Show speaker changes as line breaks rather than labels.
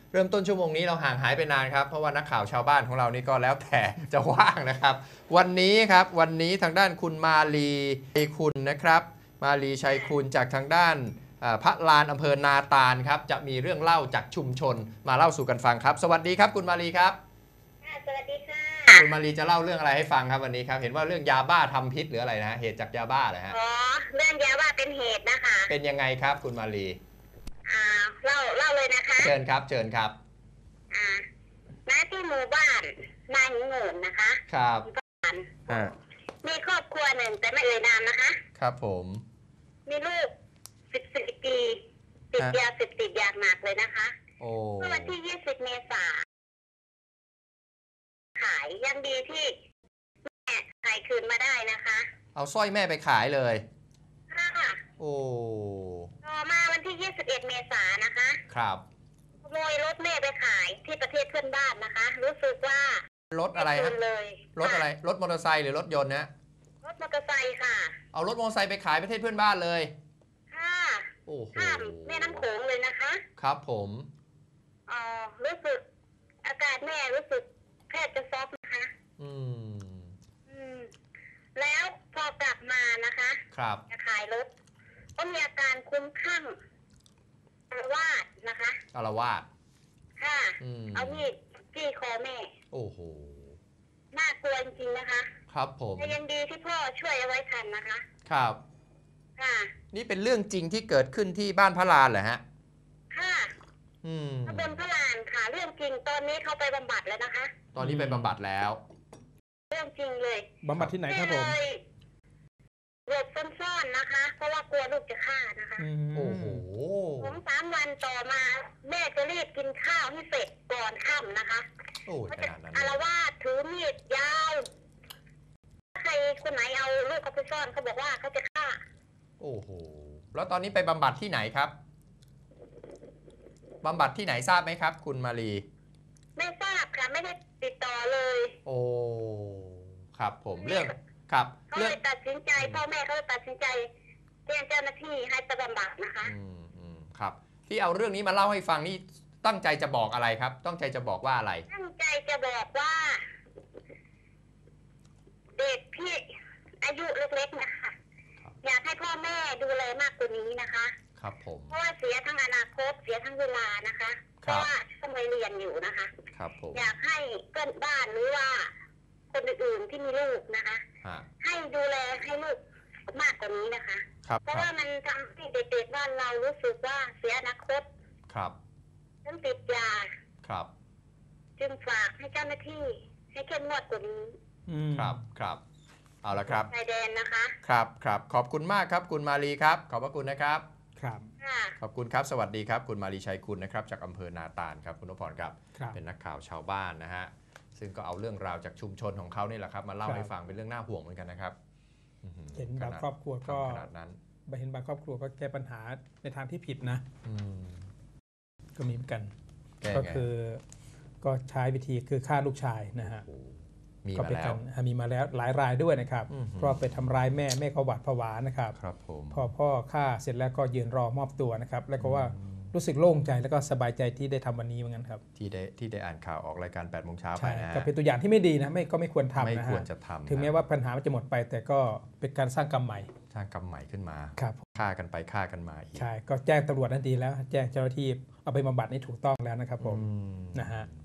เริ่มต้นชั่วโมงนี้เราห่างหายไปนานครับเพราะว่านักข่าวชาวบ้านของเรานี่ก็แล้วแต่จะว่างนะครับวันนี้ทางด้านคุณมาลีชัยคุณนะครับมาลีชัยคุณจากทางด้านพระลานอำเภอนาตาลครับจะมีเรื่องเล่าจากชุมชนมาเล่าสู่กันฟังครับสวัสดีครับคุณมาลีครับ
สวัสดีค่ะ
คุณมาลีจะเล่าเรื่องอะไรให้ฟังครับวันนี้ครับเห็นว่าเรื่องยาบ้าทำพิษหรืออะไรนะเหตุจากยาบ้าเหรอฮะ
อ๋อเรื่องยาบ้าเป็นเหตุนะคะ
เป็นยังไงครับคุณมาลี
เล่าเลยนะคะ
เชิญครับ
ณที่หมู่บ้านนายหิงโงนนะคะ
ครับ
มีครอบครัวหนึ่งแต่ไม่เอ่ยนามนะคะ
ครับผม
มีลูก14 ปีติดยาเสพติดอย่างหนักเลยนะคะเมื่อวันที่20 เมษายนขายยังดีที่แม่ขายคืนมาได้นะคะ
เอาสร้อยแม่ไปขายเลย
ค่ะ
โอ้
ต่อมาวันที่21 เมษายนนะคะ
ครับ
ขโมยรถแม่ไปขายที่ประเทศเพื่อนบ้านนะคะรู้สึกว่าร
ถอะไรฮะรถอะไรรถมอเตอร์ไซค์หรือรถยนต์นะ
รถมอเตอร์ไซค์ค่ะ
เอารถมอเตอร์ไซค์ไปขายประเทศเพื่อนบ้านเลย
ค่ะ
โอ้โห
ข้ามแม่น้ำโขงเลยนะคะ
ครับผม
รู้สึกอาการแม่รู้สึกแทบจะซอฟนะคะแล้วพอกลับมานะคะ
ครับ
จะขายรถก็มีอาการคุ้มคลั่งอาละวาดนะคะ
อาละวาด
ค่ะเอามีดจี้คอแม่
โอ้โห
น่ากลัวจริงๆนะคะ
ครับผม
แต่ยังดีที่พ่อช่วยเอาไว้ทันนะคะ
ครับ
ค่ะ
นี่เป็นเรื่องจริงที่เกิดขึ้นที่บ้านพระลานเหรอฮะ
ค่ะตำบลพระลานค่ะเรื่องจริงตอนนี้เขาไปบำบัดแล้วนะคะ
ตอนนี้ไปบำบัดแล้ว
เรื่องจริงเลย
บำบัดที่ไหนครับผม
หลบซ่อนๆนะคะเพราะว่ากลัวลูกจะฆ่านะคะ
โอ้โห
2-3 วันต่อมาแม่จะรีบกินข้าวให้เสร็จก่อนค่ำนะคะ
โอ้
ขนาดนั้นอาละวาดถือมีดยาวใครคนไหนเอาลูกเขาไปซ่อนเขาบอกว่าเขาจะฆ่า
โอ้โหแล้วตอนนี้ไปบำบัดที่ไหนครับบำบัดที่ไหนทราบไหมครับคุณมาลี
ไม่ทราบค่ะไม่ได้ติดต่อเลย
โอ้ครับผมเรื่องครับ
เขาเลยตัดสินใจพ่อแม่เขาเลยตัดสินใจแจ้งเจ้าหน้าที่ให้ไปบำบัดนะคะ
ครับที่เอาเรื่องนี้มาเล่าให้ฟังนี่ตั้งใจจะบอกอะไรครับตั้งใจจะบอกว่าอะไร
ตั้งใจจะบอกว่าเด็กที่อายุเล็กๆนะคะอยากให้พ่อแม่ดูแลมากกว่านี้นะคะ
ครับผม
เพราะว่าเสียทั้งอนาคตเสียทั้งเวลานะคะเพราะว่าต้องไปเรียนอยู่นะคะ
ครับผม
อยากให้เพื่อนบ้านหรือว่าคนอื่นๆที่มีลูกนะคะให้ดูแลให้ลูกมากกว่านี้นะคะเพราะว่ามันทำให้เด็กๆบ้านเรารู้สึกว่าเสียอนาคต
ครับ
ต้องติดยา
ครับ
จึงฝากให้เจ้าหน้าที่ให้เข้มงวดกว่านี้
ครับเอาละครับ
ชายแดนนะคะ
ครับขอบคุณมากครับคุณมาลีครับขอบพระคุณนะครับ
ครับ
ขอบคุณครับสวัสดีครับคุณมาลีชัยคุณนะครับจากอำเภอนาตาลครับคุณนพพรครับเป็นนักข่าวชาวบ้านนะฮะซึ่งก็เอาเรื่องราวจากชุมชนของเขานี่แหละครับมาเล่าให้ฟังเป็นเรื่องน่าห่วงเหมือนกันนะครับ
เห็นบางครอบครัวก็ขนาดนั้นเห็นบางครอบครัวก็แก้ปัญหาในทางที่ผิดนะก็มีเหมือนกันก็คือก็ใช้วิธีคือฆ่าลูกชายนะฮะ
ก็เป็นการ
มีมาแล้วหลายรายด้วยนะครับเพราะไปทำร้ายแม่ก็หวาดผวานะครับพอพ่อฆ่าเสร็จแล้วก็ยืนรอมอบตัวนะครับแล้วก็ว่ารู้สึกโล่งใจแล้วก็สบายใจที่ได้ทำวันนี้เหมือนกันครับ
ที่ได้อ่านข่าวออกรายการ8 โมงเช้าไปนะ
ก็เป็นตัวอย่างที่ไม่ดีนะก็ไม่ควรทำนะ
ไม่ควรจะทำ
ถึงแม้ว่าปัญหามันจะหมดไปแต่ก็เป็นการสร้างกรรมใหม่
ขึ้นมา
ครับ
ฆ่ากันไปฆ่ากันมาอีก
ใช่ก็แจ้งตำรวจนั่นดีแล้วแจ้งเจ้าหน้าที่เอาไปบำบัดนี่ถูกต้องแล้วนะครับผมนะฮะ